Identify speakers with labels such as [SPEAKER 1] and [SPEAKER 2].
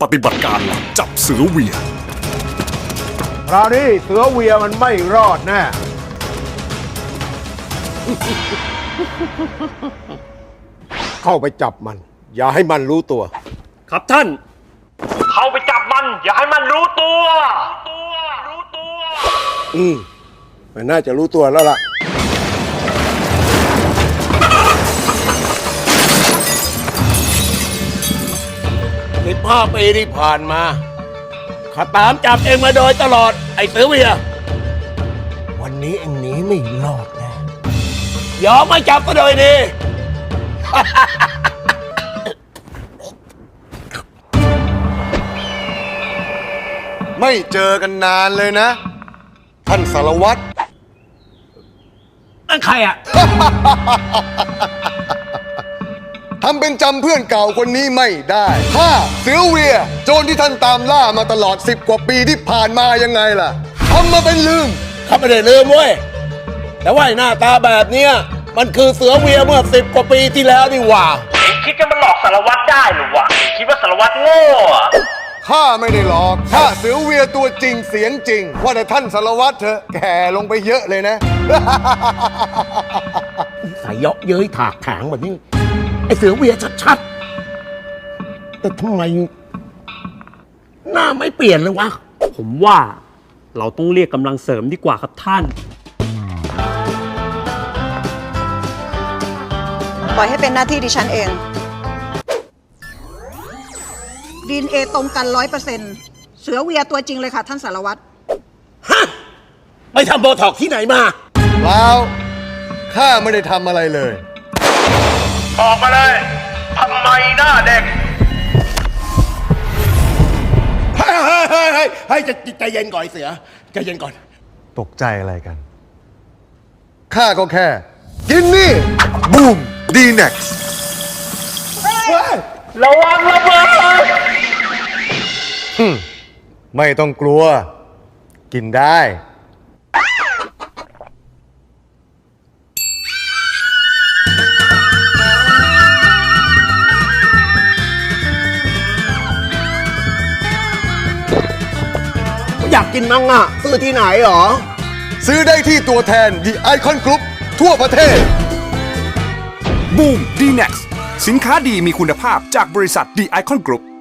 [SPEAKER 1] ฏิบัติการลับจับเสือเวีย
[SPEAKER 2] คราวนี้เสือเวียมันไม่รอดแน่ เข้าไปจับมัน อย่าให้มันรู้ตัว
[SPEAKER 3] ครับท่านเข้าไปจับมันอย่าให้มันรู้ตัว
[SPEAKER 2] มันน่าจะรู้ตัวแล้วล่ะ15 ปีที่ผ่านมาข้าตามจับเองมาโดยตลอดไอ้เสือเวียวันนี้เองหนีไม่รอดแน่ยอมมาจับก็โดยดี
[SPEAKER 4] ไม่เจอกันนานเลยนะ ท่านสารวัตร
[SPEAKER 2] นั่นใครอ่ะ
[SPEAKER 4] ทำเป็นจำเพื่อนเก่าคนนี้ไม่ได้ข้าเสือเวียโจรที่ท่านตามล่ามาตลอด10 กว่าปีที่ผ่านมายังไงล่ะทำมาเป็นลืม
[SPEAKER 2] ข้าไม่ได้ลืมเว้ยแต่ว่าหน้าตาแบบเนี้ยมันคือเสือเวียเมื่อ10 กว่าปีที่แล้วนี่หว่า
[SPEAKER 3] คิดจะมาหลอกสารวัตรได้หรือวะคิดว่าสารวัตรโง่อะ
[SPEAKER 4] ข้าไม่ได้หลอกข้าเสือเวียตัวจริงเสียงจริง ว่าแต่ท่านสารวัตรเถอะแก่ลงไปเยอะเลยนะ
[SPEAKER 2] ใส่เยาะเย้ยถากถางแบบนี้ไอ้เสือเวียชัดๆแต่ทำไมหน้าไม่เปลี่ยนเลยวะ
[SPEAKER 3] ผมว่าเราต้องเรียกกำลังเสริมดีกว่าครับท่าน
[SPEAKER 5] ปล่อยให้เป็นหน้าที่ดิฉันเองDNA ตรงกัน 100%เสือเวียตัวจริงเลยค่ะท่านสารวัตร
[SPEAKER 2] ฮะไปทำโบท็อกซ์ที่ไหนมา
[SPEAKER 4] เปล่าข้าไม่ได้ทำอะไรเลย
[SPEAKER 3] ออกมาเลยทำไมหน้าเด็ก
[SPEAKER 2] เฮ้ยใจเย็นก่อนไอ้เสือใจเย็นก่อน
[SPEAKER 4] ตกใจอะไรกัน ข้าก็แค่ กินนี่ บูมดีเน็กซ์
[SPEAKER 3] ระวังระเบิด
[SPEAKER 4] ไม่ต้องกลัว กินได้
[SPEAKER 2] อยากกินมั้งอ่ะซื้อที่ไหนหรอ
[SPEAKER 4] ซื้อได้ที่ตัวแทน The Icon Group ทั่วประเทศ
[SPEAKER 1] บูม D-Nex สินค้าดีมีคุณภาพจากบริษัท The Icon Group